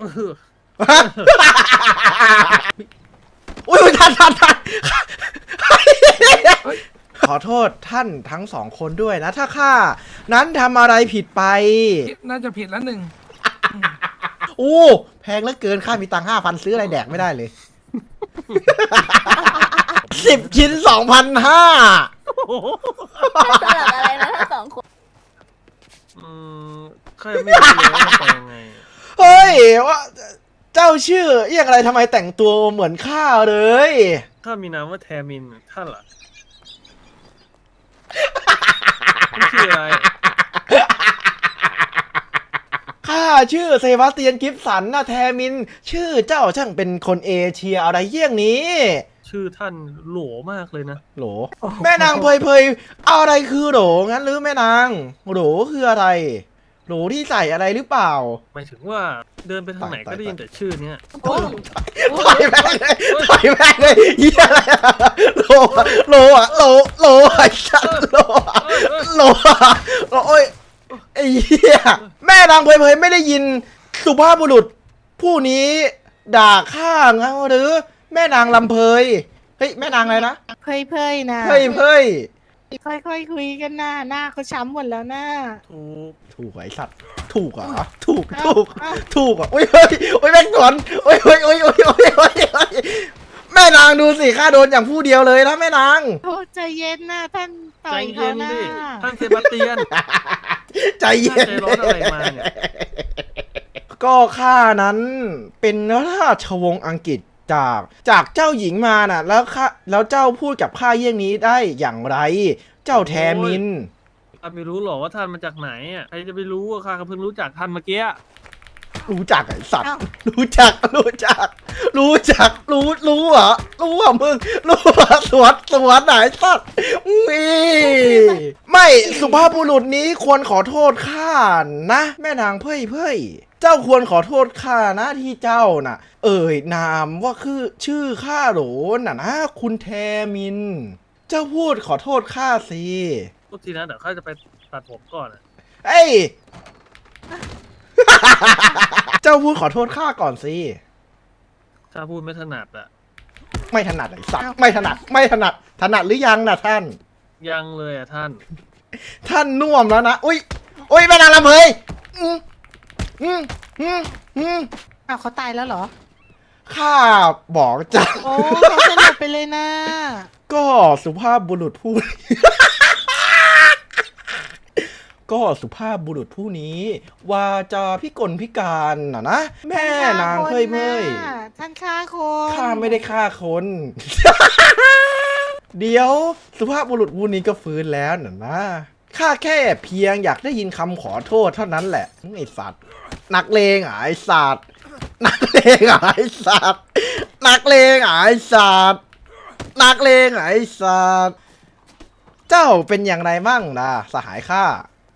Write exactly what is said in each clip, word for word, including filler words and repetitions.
อุ้ยท่านท่านท่านขอโทษท่านทั้งสองคนด้วยนะถ้าข้านั้นทำอะไรผิดไปน่าจะผิดแล้วหนึ่งอู้แพงเหลือเกินข้ามีตังค์ห้าพันซื้ออะไรแดกไม่ได้เลยสิบชิ้นสองพันห้าสลับอะไรนะทั้งสองคนอืมข้าไม่รู้เลยว่าไปยังไงเฮ้ยว่าเจ้าชื่อเรียกอะไรทำไมแต่งตัวเหมือนข้าเลยข้ามีนามว่าแทมินท่านล่ะชื่ออะไรข้าชื่อเซบาสเตียนกิฟสันนะแทมินชื่อเจ้าช่างเป็นคนเอเชียอะไรเยี่ยงนี้ชื่อท่านโหลมากเลยนะโหลแม่นางเพยเพยอะไรคือโหลงั้นหรือแม่นางโหลคืออะไรโหลที่ใส่อะไรหรือเปล่าหมายถึงว่าเดินไปทางไหนก็ได้ยินแต่ชื่อเนี้ยต่อยแม่เลยต่อยแม่เลยเฮียอะไรโหลโหลอะโหลโหลไอ้ชัดโหลโหลโหลโอ้ยไอ้เหี้ยแม่นางเพยเพยไม่ได้ยินสุภาพบุรุษผู้นี้ด่าข้างั้นหรือแม่นางลำเพยเฮ้ยแม่นางอะไรนะเพยเพยนะเพยเพยค่อยๆคุยกันหน้าหน้าเขาช้ำหมดแล้วหน้าถูกถูกไอ้สัตว์ถูกอ่ะถูกถูกถูกอ่ะโอ้ยโอ้ยโอ้ยแม่งสวนโอ้ยโอ้ยโอ้ยโอ้ยโอ้ยโอ้ยแม่นางดูสิข้าโดนอย่างผู้เดียวเลยนะแม่นางโอ้ใจเย็นนะท่านใจเย็นดิท่านเซบาสเตียนใจเย็นใจร้อนอะไรมาเนี่ยก็ข้านั้นเป็นราชวงศ์อังกฤษจากจากเจ้าหญิงมาน่ะแล้วข้าแล้วเจ้าพูดกับข้าเยี่ยงนี้ได้อย่างไรเจ้าแทมินข้าไม่รู้หรอกว่าท่านมาจากไหนอ่ะใครจะไปรู้ว่าข้าเพิ่งรู้จักท่านเมื่อกี้รู้จักไอ้สัตว์รู้จักรู้จักรู้จักรู้รู้เหรอรู้อ่ะมึงรู้อ่ะสวนสวนไหนสัตว์มีไม่สุภาพบุรุษนี้ควรขอโทษข้านะแม่นางเพ่ยเพ่ยเจ้าควรขอโทษข้านะที่เจ้าน่ะเอ่ยนามว่าคือชื่อข้าโหลน่ะนะคุณแทมินเจ้าพูดขอโทษข้าสิทุกทีนะเดี๋ยวข้าจะไปตัดผมก่อนอะเอ้ย เจ้าพูดขอโทษข้าก่อนสิข้าพูดไม่ถนัดอะไม่ถนัดไอ้สัตว์ไม่ถนัดไม่ถนัดถนัดหรือยังนะท่านยังเลยอะท่านท่านน่วมแล้วนะอุ้ยอุ้ยแม่นางลำเพยอืมอืมอืมอืมอ้าวเขาตายแล้วเหรอข้าบอกจ้ะโอ้เขาสลบไปเลยนะก็สุภาพบุรุษผู้ ก็สุภาพบุรุษผู้นี้ว่าจะพิกลพิการน่ะนะแม่นางเคยเมยท่านฆ่าคนข้าไม่ได้ฆ่าคน เดี๋ยวสุภาพบุรุษผู้นี้ก็ฟื้นแล้วน่ะนะข้าแค่เพียงอยากได้ยินคำขอโทษเท่านั้นแหละไอ้สัตว์นักเลงไอ้สัตว์นักเลงไอ้สัตว์นักเลงไอ้สัตว์นักเลงไอ้สัตว์เจ้าเป็นอย่างไรบ้างนะสหายข้า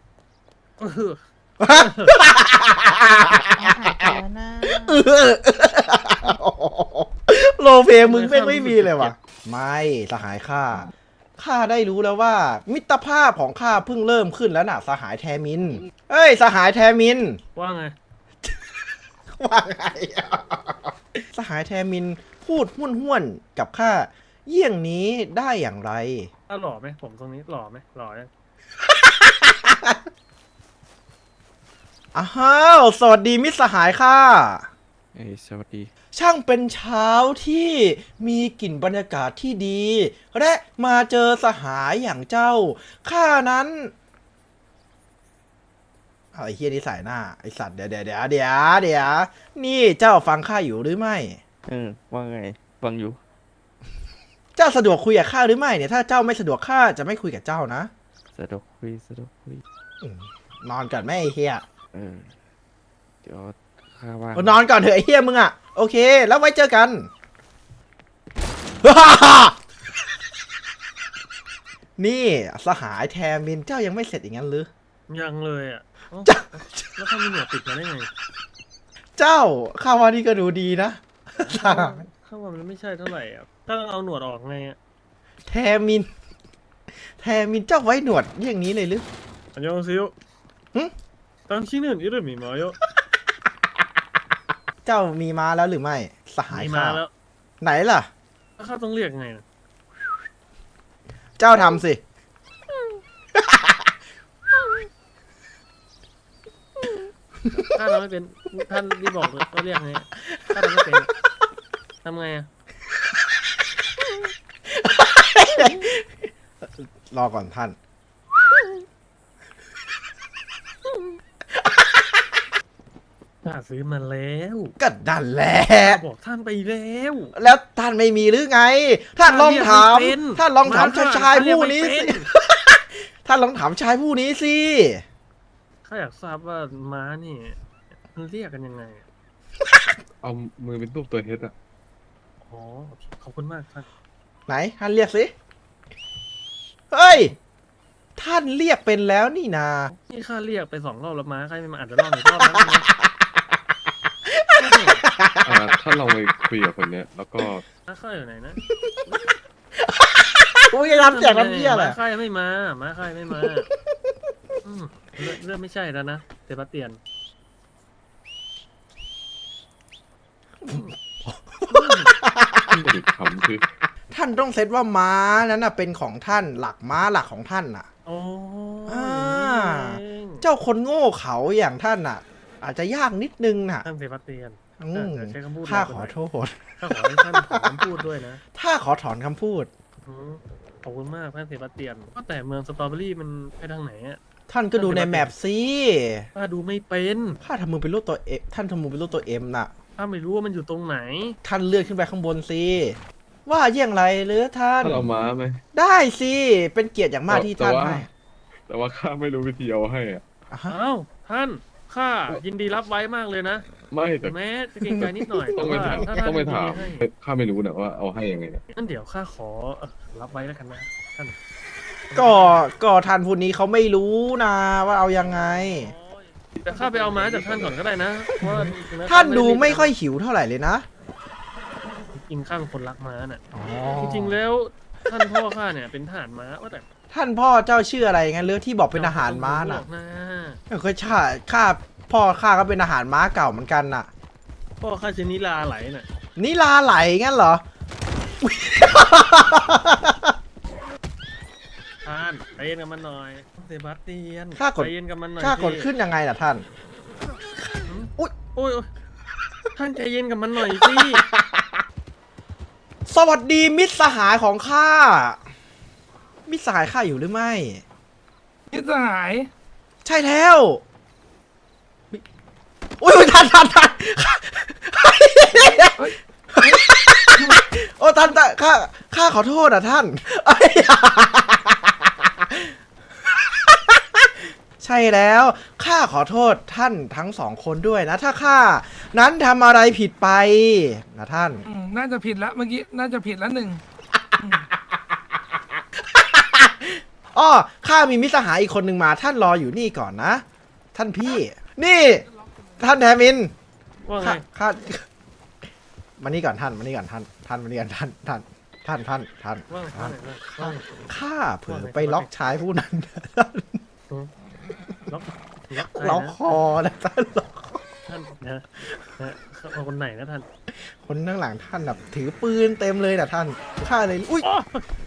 โลเพมึงไม่ไม่มีเลยวะไม่สหายข้าข้าได้รู้แล้วว่ามิตรภาพของข้าเพิ่งเริ่มขึ้นแล้วน่ะสหายแทมินเอ้ยสหายแทมินว่าไงว่าไงสหายแทมินพูดห้วนห้วนกับข้าเยี่ยงนี้ได้อย่างไรถ้าหล่อไหมผมตรงนี้หล่อไหมหล่อยังอ้าวสวัสดีมิตรสหายค่ะเอ้ยสวัสดีช่างเป็นเช้าที่มีกลิ่นบรรยากาศที่ดีและมาเจอสหายอย่างเจ้าข้านั้นเอาไอ้เฮียนี่ใส่หน้าไอ้สัตว์เดี๋ยวเดี๋ยวเดี๋ยวเดี๋ยวเดี๋ยวนี่เจ้าฟังข้าอยู่หรือไม่เออว่าไงฟังอยู่เจ้าสะดวกคุยกับข้าหรือไม่เนี่ยถ้าเจ้าไม่สะดวกข้าจะไม่คุยกับเจ้านะสะดวกคุยสะดวกคุยนอนก่อนแม่ไอ้เฮียเออเดี๋ยวข้าว่านอนก่อนเถอะไอ้เฮียมึงอ่ะโอเคแล้วไว้เจอกันนี่สหายแทมินเจ้ายังไม่เสร็จอย่างนั้นหรือยังเลยอ่ะแล้วเขามีหนวดติดมาได้ไงเจ้าข้าว่านี่ก็ดูดีนะข้าว่ามันไม่ใช่เท่าไหร่อ่ะถ้าต้องเอาหนวดออกไงอ่ะแทมินแทมินเจ้าไว้หนวดอย่างนี้เลยหรืออันยองซิโย당신은이름이뭐요 เจ้ามีม้าแล้วหรือไม่สหายมีข้ามาแล้วไหนล่ะแล้วข้าต้องเรียกไงนะเจ้าทำสิข้าทำไม่เป็นท่านที่บอกเลยว่าเรียกไงข้าทำไม่เป็นทำไงอะรอก่อนท่านข้าซื้อมาแล้วก็ดันแหละข้าบอกท่านไปแล้วแล้วท่านไม่มีหรือไง ท่านลองถามเรียกไม่เป็นท่านลองถามข้ชายเรียกผู้ไม่นี้เป็สิ ท่านลองถามชายผู้นี้สิข้าอยากทราบว่าม้านี่มันเรียกกันยังไงอะเอามือเป็นรูปตัวเฮดอะอ๋อขอบคุณมากท่านไหนท่านเรียกสิ เฮ้ย ท่านเรียกเป็นแล้วนี่นานี่ข้าเรียกไปสองรอบแล้วม้าใครไม่มาอาจจะรอบอีกรอบแล้วนะอ่าถ้าเราไปคุยกับคนเนี้ย แล้วก็ม้าข้าอยู่ไหนนะกูจะทำเสียงน้ำเยี่ยแหละม้าข้ายังไม่มาม้าข้ายังไม่มาอืมเริ่มเริ่มไม่ใช่แล้วนะเซบาสเตียนที่จะคำคือท่านต้องเซตว่าม้านั้นน่ะเป็นของท่านหลักม้าหลักของท่านน่ะโอ้อ่าเองเจ้าคนโง่เขาอย่างท่านน่ะ อาจจะยากนิดนึงน่ะท่านเซบาสเตียนอืมเดี๋ยวใช้คำพูดข้าแรงขไปหอน่อยโทษข้าขอให้ท่านขอคำพูดด้วยนะถ้าขอถอนคำพูดอืมขอบคุณมากท่านเซบาสเตียนว่าแต่เมืองสตรอเบอรี่มันไปทางไหนอะท่านก็ดูในแมปสิข้าดูไม่เป็นข้าทำมือเป็นรูปตัวเอท่านทำมือเป็นรูปตัวเอ็มน่ะข้าไม่รู้ว่ามันอยู่ตรงไหนท่านเลื่อนขึ้นไปข้างบนสิว่าเยี่ยงไรหรือท่านถ้าเราม้าไหมได้สิเป็นเกียรติอย่างมากที่แต่ท่านว่าให้แต่ว่าข้าไม่รู้วิธีเอาให้อะอ่ะฮะอ้าวท่านข้ายินดีรับไว้มากเลยนะไม่แต่แม้จะเกรงใจนิดหน่อยต้องไปแต่ถามว่าถ้าท่านต้องไปถามยินดีให้ข้าไม่รู้นะว่าเอาให้ยังไงนะงั้นเดี๋ยวข้าขอเอ่อรับไว้แล้วกันนะท่านก็ก็ท่านผู้นี้เขาไม่รู้นะว่าเอายังไงแต่ข้าไปเอาม้าจากท่านก่อนก็ได้นะเพราะว่าถึงแม้ท่านดูข้ไม่ค่อยหิวเท่าไหร่เลยนะจริงข้าเป็นคนรักม้าน่ะอ๋อจริงๆแล้วท่านพ่อข้าเนี่ยเป็นทหารม้าว่าแต่ท่านพ่อเจ้าชื่ออะไรงั้นเรื่องที่บอกเป็นอาหารม้าน่ะบอกนะไม่เคยชาข้าพ่อข้าก็เป็นอาหารม้าเก่าเหมือนกันน่ะพ่อข้าชื่อนิลาไหลน่ะนิลาไหลงั้นเหรอท่านใจเย็นกับมันหน่อยเซบาสเตียนข้ากดใจเย็นกับมันหน่อยข้ากดสิขึ้นยังไงล่ะท่าน อุ๊ยโอ้ยโอ้ยท่านใจเย็นกับมันหน่อยสิสวัสดีมิตรสหายของข้า มิตรสหายข้าอยู่หรือไม่มิตรสหายใช่แล้วมิอุ้ยอุ๊ยท่านท่านท่านโอ้ท่านท่านข้าข้าขอโทษอ่ะท่านเอ้ยใช่แล้วข้าขอโทษท่านทั้งสองคนด้วยนะ ถ้าข้านั้นทำอะไรผิดไปนะท่านอืมน่าจะผิดละเมื่อกี้น่าจะผิดละหนึ่งอ้อข้ามีมิตรสหายอีกคนหนึ่งมาท่านรออยู่นี่ก่อนนะ ท่านพี่ นี่ ท่านแทมินว่าไงข้าข้ามานี่ก่อนท่านมานี่ก่อนท่านท่านมานี่ก่อนท่านท่านท่านท่านท่านว่าไงท่านว่าไงข้าเผลอไปล็อกชายผู้นั้นล็อกล็อกใครล็อกนะคอนะท่านล็อกคอท่านนะนะเอาคนไหนนะท่านคนข้างหลังท่านแบบถือปืนเต็มเลยนะท่านข้าเลยอุ้ยอ๋อ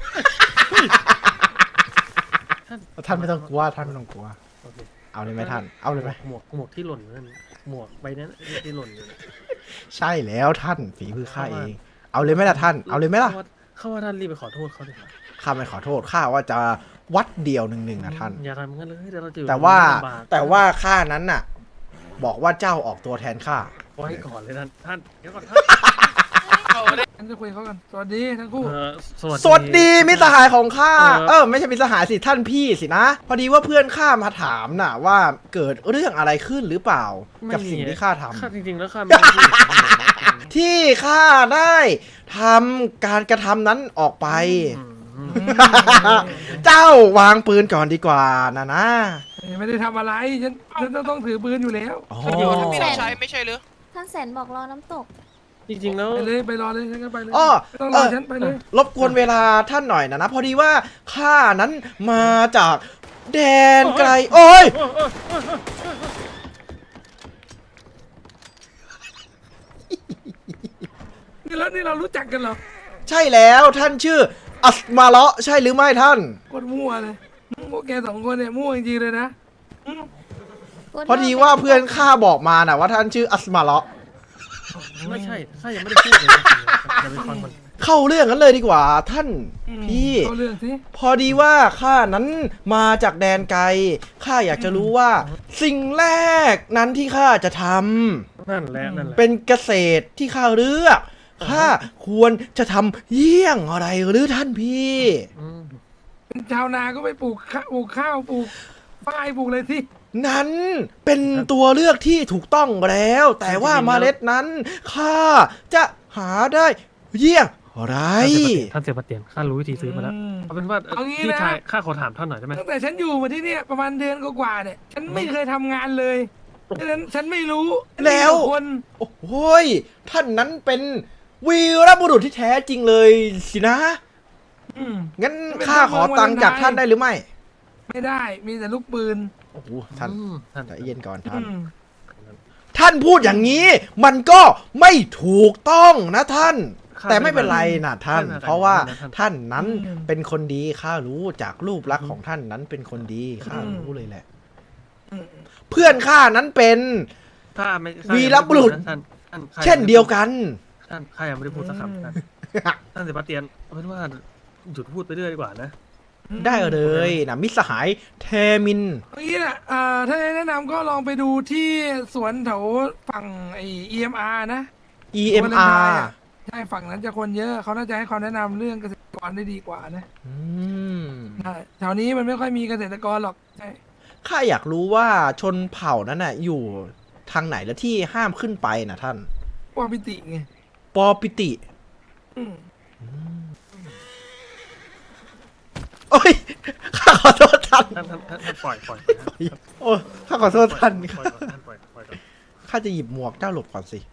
ท่านไม่ต้องกลัวท่านไม่ต้องกลัวโอเคเอาเลยไหมท่านเอาเลยไหมหมวกหมวกที่หล่นนั่นหมวกใบนั้นที่หล่นอยู่นะใช่แล้วท่านฝีมือข้าเอง เอาเลยไหมล่ะท่านเอาเลยไหมล่ะข้าว่าข้าว่าท่านรีบไปขอโทษเขาดิข้าไม่ขอโทษข้าว่าจะวัดเดียวหนึ่งหนึ่งนะท่านอย่าทำงั้นเลยเดี๋ยวเราจะอยู่แต่ว่าลำบกแต่ว่าข้านั้นน่ะ บอกว่าเจ้าออกตัวแทนข้าไว้ก่อนเลยท่านท่านเดี๋ยวก่อนท่านฉันจะคุยเขากันสวัสดีทั้งคู่เอ่อสวัสดีสวัสดีมิตรสหายของข้าเออเออไม่ใช่มิตรสหายสิท่านพี่สินะ พอดีว่าเพื่อนข้ามาถามน่ะ ว่าเกิดเรื่องอะไรขึ้นหรือเปล่า กับสิ่งที่ข้าทำข้าจริงๆแล้วข้าไม่ได้พูดอย่างนั้นเลยนะที่ข้าได้ทำการกระทำนั้นออกไปอืมเจ้าวางปืนก่อนดีกว่านะนะไม่ได้ทำอะไรฉันฉันต้องถือปืนอยู่แล้วอ๋อเดี๋ยวท่านมีแสน้องนชายไม่ใช่หรือท่านแสนบอกรอน้ำตกจริงๆแล้วไปเลยไปรอเลยฉันก็ไปเลยอ้อไม่ต้องรเอออฉันไปเลยรบกวนเวลาท่านหน่อยนะนะ พอดีว่าข้านั้นมาจากแดนไกล โอ้ยเออเออเออแล้วนี่เรารู้จักกันเหรอใช่แล้วท่านชื่ออัสมาเลาะใช่หรือไม่ท่านโคตรมั่วเลยพวกแกสองคนเนี่ยมั่วจริงๆเลยนะอืมพอดีว่าเพื่อนข้าบอกมาน่ะว่าท่านชื่ออัสมาเลาะไม่ใช่ข้ายังไม่ได้พูดเลยจะไปฟังมันเข้าเรื่องกันเลยดีกว่าท่านพี่เข้าเรื่องสิพอดีว่าข้านั้นมาจากแดนไกลข้าอยากจะรู้ว่า สิ่งแรกนั้นที่ข้าจะทำนั่นแหละนั่นแหละเป็นเกษตรที่ข้าเลือกข้าควรจะทำเยี่ยงอะไรหรือท่านพี่อืมเป็นชาวนาก็ไปปลูกข้าวปลูกข้าวปลูกฝ้ายปลูกอะไรที่นั้นเป็นตัวเลือกที่ถูกต้องแล้ว แต่ว่าเมล็ดนั้นข้าจะหาได้เยี่ยงอะไรท่านเสียปะเตียนข้ารู้วิธีซื้อมาแล้วเอาเป็นว่าเอ่อเอางี้พี่นะชายข้าขอถามท่านหน่อยได้ไหมตั้งแต่ฉันอยู่มาที่เนี่ยประมาณเดือนกว่าๆเนี่ย ฉันไม่เคยทำงานเลยฉะนั้นฉันไม่รู้แล้วมีต่คนโอ้โหยท่านนั้นเป็นวีรบุรุษที่แท้จริงเลยสินะอืมงั้นข้าขอตังค์จากท่านได้หรือไม่ไม่ได้มีแต่ลูกปืนโอ้โหท่านอืมท่านใจเย็นก่อนอืท่านมท่านพูดอย่างนี้ มันก็ไม่ถูกต้องนะท่าน แต่ไม่เป็นไรนะท่าน เพราะว่าท่านนั้นเป็นคนดีข้ารู้จากรูปลักษณ์ของท่านนั้นเป็นคนดีข้ารู้เลยแหละอืมเพื่อนข้านั้นเป็นถ้าไม่ข้าวีรบุรุษยังไม่ได้พูดนะท่านท่านข้าเช่นเดียวกันท่านข้ายังไม่ได้พูดสักคำท่านท่านเสียปะเตียนเอาเป็นว่าหยุดพูดไปเรื่อยดีกว่านะได้เลยนะมิตรสหายเทมินเอางี้แหละเอ่อถ้าแนะนำก็ลองไปดูที่สวนแถวฝั่งไอ อี เอ็ม อาร์ นะอี เอ็ม อาร์ใช่ฝั่งนั้นจะคนเยอะเขาน่าจะให้ความแนะนำเรื่องเกษตรกรได้ดีกว่านะอืมใช่แถวนี้มันไม่ค่อยมีเกษตรกรหรอกใช่ข้าอยากรู้ว่าชนเผ่านั้นน่ะอยู่ทางไหนแล้วที่ห้ามขึ้นไปนะท่านพวกพิติไงปอปิติอืมโอ้ยข้าขอโทษท่านท่านท่านท่านท่านปล่อยปล่อยปล่อยโอ้ยข้าขอโทษท่านปล่อยก่อนท่านปล่อยปล่อยก่อนข้าจะหยิบหมวกเจ้าหลบก่อนสิ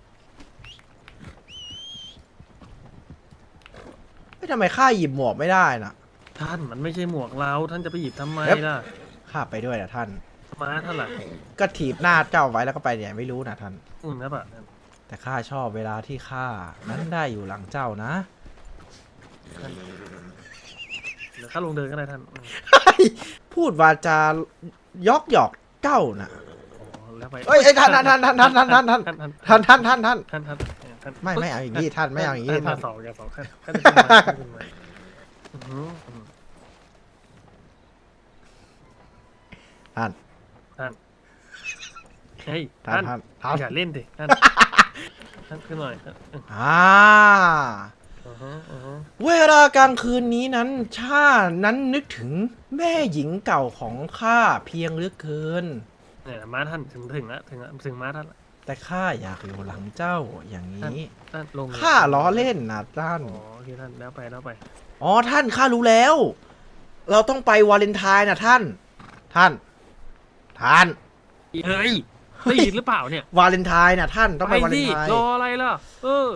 ไม่ทำไมข้าหยิบหมวกไม่ได้น่ะท่านมันไม่ใช่หมวกเราท่านจะไปหยิบทำไมเอ๊ะล่ะข้าไปด้วยนะท่านมาท่านล่ะก็ถีบหน้าเจ้าไว้แล้วก็ไปเนี่ยไม่รู้นะท่านอืมนะปะท่านแต่ข้าชอบเวลาที่ข้านั้นได้อยู่หลังเจ้านะท่านเดี๋ยวข้าลงเดินก็ได้ท่านอืมพูดวาจายอกหยอกเจ้าน่ะอ๋อแล้วไปเอ้ยเอ้ยท่านท่านท่านท่านท่านท่านท่านท่านท่านท่านท่านท่านท่านท่านท่านท่านท่านไม่ไม่เอาอย่างนี้ท่านไม่เอาอย่างนี้ท่าท่านนสองอย่าสองท่านท่านจะขึ้นมาท่านขึ้นมาอื้อหืออื้อหือท่านท่านเฮ้ยท่านท่านท่านท่านอย่าเล่นดิท่านท่านขึ้นหน่อยท่านอ่าอือฮึอือฮึเวลากลางคืนนี้นั้นชานั้นนึกถึงแม่หญิงเก่าของข้าเพียงเหลือเกินเนี่ยม้าท่านถึงถึงแล้วถึงแล้วถึงม้าท่านละแต่ข้าอยากอยู่หลังเจ้าอย่างนี้ท่านลงเลยข้าล้อเล่นนะท่านอ๋อโอเคท่านแล้วไปแล้วไปอ๋อท่านข้ารู้แล้ว เราต้องไปวาเลนไทน์นะท่าน ท่าน ท่านเฮ้ยได้ยินหรือเปล่าเนี่ยวาเลนไทน์นะท่านต้องไปวาเลสินไทน์รออะไรล่ะเออ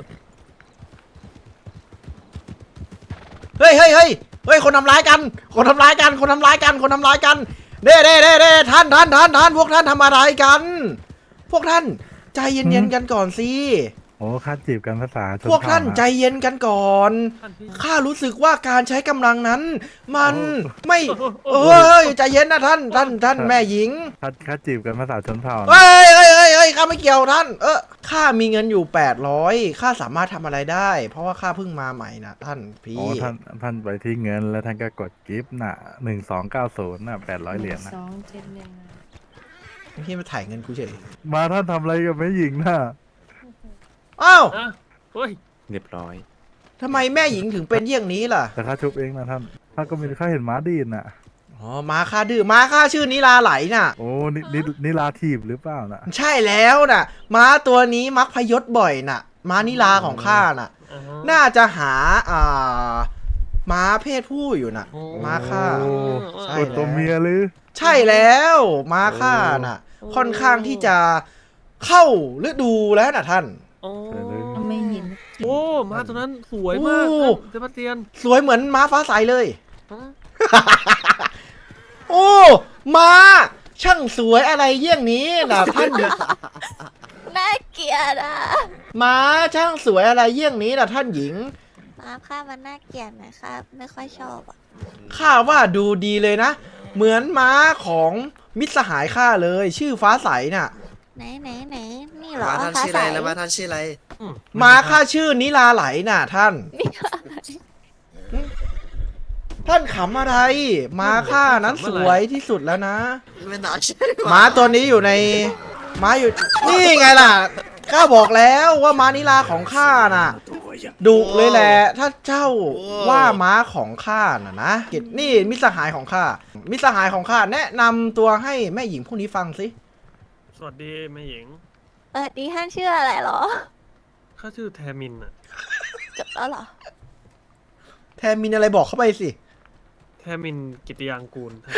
เฮ้ยเฮ้ยเฮ้ยเฮ้ยคนทำร้ายกัน คนทำร้ายกัน คนทำร้ายกัน คนทำร้ายกันเด้เด้เด้เด้ท่านท่านท่านท่านพวกท่านทำอะไรกัน พวกท่านใจเย็นๆกันก่อนสิโอ้ค่าจีบกันภาษาชนพวกท่านเผ่ะใจเย็นกันก่อนท่านพี่ข้ารู้สึกว่าการใช้กำลังนั้น มันโอ้ไม่โอ้เอ้ยใจเย็นนะท่าน ท่านท่านแม่หญิงค่าค่าจีบกันภาษาชนเผ่านะเฮ้ยเฮ้ยเฮ้ยเฮ้ยข้าไม่เกี่ยวท่าน เออข้ามีเงินอยู่แปดร้อยข้าสามารถทำอะไรได้ เพราะว่าข้าเพิ่งมาใหม่นะท่านพี่โอ้ท่านท่านไปที่เงินแล้วท่านก็กดกิฟต์น่ะหนึ่งสองเก้าศูนย์น่ะแปดร้อยเหรียญนะสองเจ็ดหนึ่งพี่มาถ่ายเงินกูเฉยมาท่านทำอะไรกับแม่หญิงน่ะอ้าวอ่ะเฮ้ยเรียบร้อยทำไมแม่หญิงถึงเป็นเยี่ยงนี้ล่ะแต่ข้าชุบเองนะท่านท่านก็มีข้าเห็นม้าดีนน่ะอ๋อม้าข้าดื้อม้าข้าชื่อนิลาไหลน่ะโอ้นี่นี่นี่ลาทีบหรือเปล่าน่ะใช่แล้วน่ะ ม้าตัวนี้มักพยศบ่อยน่ะ ม้านิลาของข้าน่ะอ่าฮะน่าจะหาอ่าม้าเพศผู้อยู่น่ะโอ้ม้าข้าโอ้ใช่กดตัวเมียหรือใช่แล้วม้าข้าน่ะโอ้ค่อนข้างที่จะเข้าฤดูแล้วน่ะท่านโอ้ไม่เห็นโอ้มาตัวนั้นสวยมากโอ้ท่านเซบาสเตียนสวยเหมือนม้าฟ้าใสเลยฮะโอ้ม้าช่างสวยอะไรเยี่ยงนี้น่ะท่านไหนน่าเกลียดอ่ะม้าช่างสวยอะไรเยี่ยงนี้ล่ะท่านหญิงมาค่ะมันน่าเกลียดนะครับ ไม่ค่อยชอบอ่ะข้าว่าดูดีเลยนะ เหมือนม้าของมิตรสหายข้าเลย ชื่อฟ้าใสน่ะไหนไหนไหนนี่เหรอมาท่านฟ้าชื่อใสอะไรแล้วมาท่านชื่ออะไรม้าข้าชื่อนิลาไหลน่ะท่านนี่อะไรท่านขำอะไร ม้าข้านั้นสวยที่สุดแล้วนะไม่น่าใช่ม้าตัวนี้อยู่ใน ม้าอยู่ นี่ไงล่ะ ข้าบอกแล้วว่าม้านิลาของข้าน่ะ ดุเลยแหละ ถ้าเจ้าว่าม้าของข้าน่ะนะกิจนี่มิตรสหายของข้า มิตรสหายของข้าแนะนำตัวให้แม่หญิงผู้นี้ฟังสิสวัสดีแม่หญิงเออดีท่านชื่ออะไรเหรอข้าชื่อแทมินอะจบแล้วเหรอแทนมินอะไรบอกเข้าไปสิแทมินกิติยางกูลท่าน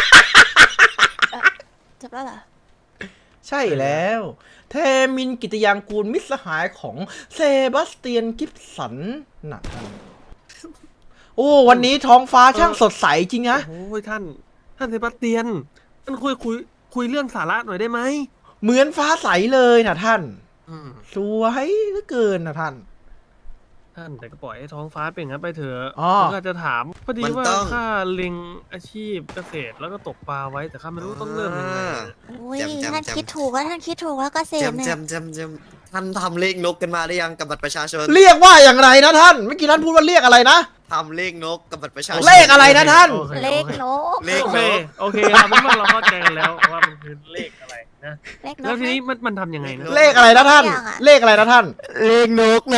จบแล้วเหรอใช่แล้ว เทมินกิตยางกูลมิตรสหายของเซบาสเตียนกิฟสันนะท่านโอ้วันนี้ท้องฟ้าช่างสดใสจริงนะโอ้ยท่าน ท่านเซบาสเตียน ท่านคุยคุยคุยเรื่องสาระหน่อยได้ไหมเหมือนฟ้าใสเลยนะท่านอืมสวยเหลือเกินนะท่านท่านแต่ก็ปล่อยให้ท้องฟ้าเป็นงั้นไปเถอะอ๋อผมก็จะถามพอดีว่าข้าเล็งอาชีพเกษตรแล้วก็ตกปลาไว้แต่ข้าไม่รู้ต้องเริ่มยังไงอุ้ยท่านคิดถูกแล้วท่านคิดถูกแล้วเกษตรจำเนี่ยจำจำจำท่านทำเลขนกกันมาหรือยังกับบัตรประชาชนเรียกว่าอย่างไรนะท่านเมื่อกี้ท่านพูดว่าเรียกอะไรนะทำเลขนกกับบัตรประชาชนเลขอะไรนะท่านโอคเลขโอคนกเลขโอเคโอเคเราเป็นว่าเราเข้าใจกันแล้วว่ามันคือเลขอะไรนะเลขนแล้วกทีนี้มันมันทำยังไงนะเลขอะไรนะท่าน เลขอะไรนะท่านเลขนกนะ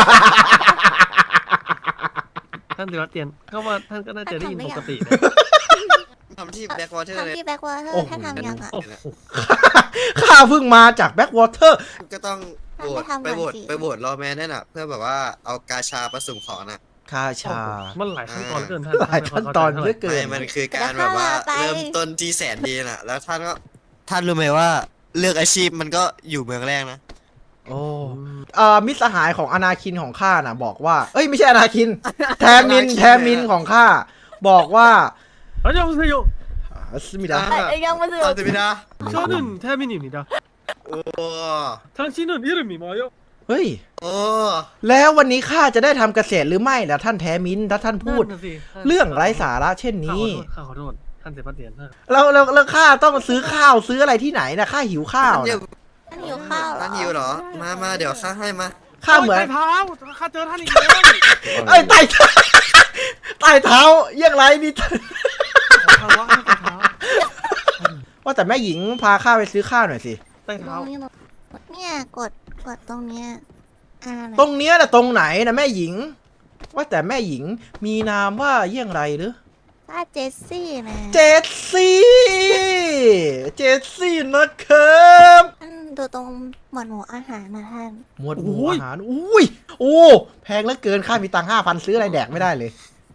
ท่านเซบาสเตียนเข้ามาท่านก็น่าจะได้ยินปกตินะทำที่แบ็กวอเตอร์เลยทำที่แบ็กวอเตอโอ้ร์โหท่านทำยังอ่ะโอ้โหข้าเพิ่งมาจากแบ็กวอเตอร์ก็ต้องโหวตท่านไปไม่ทำโหวตก่อนสิไปโหวตรอแมนนั่นน่ะ เพื่อแบบว่าเอากาชาประสุ่มของน่ะคาชามันหลายขั้นตอนเหลือเกินท่านหลายขั้นตอนเหลือเกิไม่นมันคือการแบบว่าเริ่มต้นที่แสนดีน่ะ แล้วท่านก็ ท่านรู้ไหมว่าเลือกอาชีพมันก็อยู่เมืองแรกนะโอ้เอ่อมิตรสหายของอนาคินของข้าน่ะ บอกว่า เอ้ยไม่ใช่อนาคิน แทมินอนาคินแทมินของข้าบอกว่าเฮ้ยยังไม่ยอ่าสมิดาอ่ะเอ้ยยังไม่ถึงตอนสิบิดา 저는 태민입니다. โอ้ 당신은 이름이 뭐요? เฮ้ยโอ้แล้ววันนี้ข้าจะได้ทำเกษตรหรือไม่ล่ะท่านแทมินถ้าท่านพูดนั่นน่ะสิเรื่องไร้สาระเช่นนี้ข้าขอโทษข้าขอโทษท่านเซบาสเตียนท่านแล้วแล้วแล้วข้าต้องซื้อข้าวซื้ออะไรที่ไหนนะข้าหิวข้าวเดี๋ยวนะท่านหิวข้าวเหรอท่านหิวเหรอ มามาเดี๋ยวข้าให้มาข้าเหมือนโยใต้เท้าข้าเจอท่านอีกแล้วไอ้ยใต้เท้าใต้เท้าเยี่ยงไรนี่ขอคารวะให้ใต้เท้าว่าแต่แม่หญิงพาข้าไปซื้อข้าวหน่อยสิใต้เท้าเนี่ยกดกดตรงเนี้ยอ่าไหนตรงเนี้ยนะตรงไหนนะแม่หญิง ว่าแต่แม่หญิงมีนามว่าเยี่ยงไรหรือถ้าเจสซี่นะเจสซี่ เจสซี่นะครับท่านดูตรงหมวดหมู่อาหารนะท่านหมวดหมู่อาหารอุ้ยโอ้แพงเหลือเกินข้ามีตังค์ห้าพันซื้ออะไรแดกไม่ได้เลย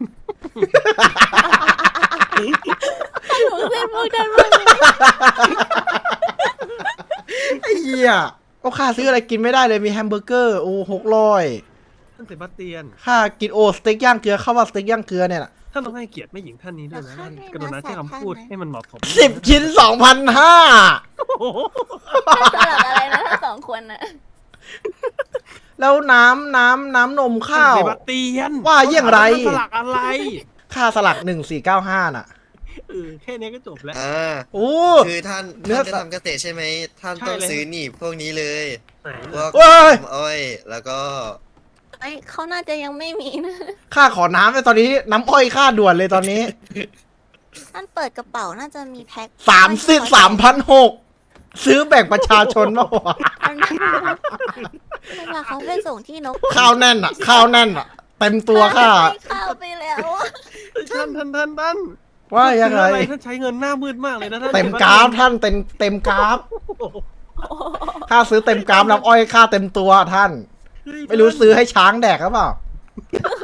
หนูเส้นพวกท่านว่าไอ้เหี้ยก็ค่าซื้ออะไรกินไม่ได้เลยมีแฮมเบอร์เกอร์โอ้หกร้อยท่านเซบาสเตียนค่ากินโอสเต็กย่างเกลือข้าวว่าสเต็กย่างเกลือเนี่ยนะท่านต้องให้เกียรติแม่หญิงท่านนี้ด้วยนะท่านกรุณาใช้คำพูดให้มันเหมาะสมสิบชิ้นสองพันห้าโอ้โหสลับอะไรนะทั้งสองคนน่ะแล้วน้ำน้ำน้ำนมข้าวท่นเซบาสเตียนว่าเยี่ยงไรท่านสลักอะไรค่าสลักหนึ่งสี่เก้าห้าน่ะเออแค่นี้ก็จบแล้วอ่าโอ้คือท่านเนื้ท่าอนจะทำเกษตรใช่ไหม ท่านใช่ต้องเลยซื้อหนีบพวกนี้เลยไหนพวกเว้ยน้ำอ้อย แล้วก็ไอ้เขาน่าจะยังไม่มีนะค่าขอน้ำเลยตอนนี้น้ำอ้อยค่าด่วนเลยตอนนี้ท่านเปิดกระเป๋าน่าจะมีแพ็คสามสิบสามพันหกซื้อแบ่งประชาชนมากกว่าท่านเวลาเขาไปส่งที่นกข้าวแน่นอ่ะ ข้าวแน่นอ่ะ เต็มตัวค่าให้ข้าวไปแล้วอะท่านท่านท่านท่านว่ายังไงท่นซื้ออะท่านใช้เงินหน้ามืดมากเลยนะท่านเต็มกราฟท่านเต็มเต็มกราฟค่าซื้อเต็มกราฟน้ำอ้อยค่าเต็มตัวท่าน ไม่รู้ซื้อให้ช้างแดกหรือเปล่า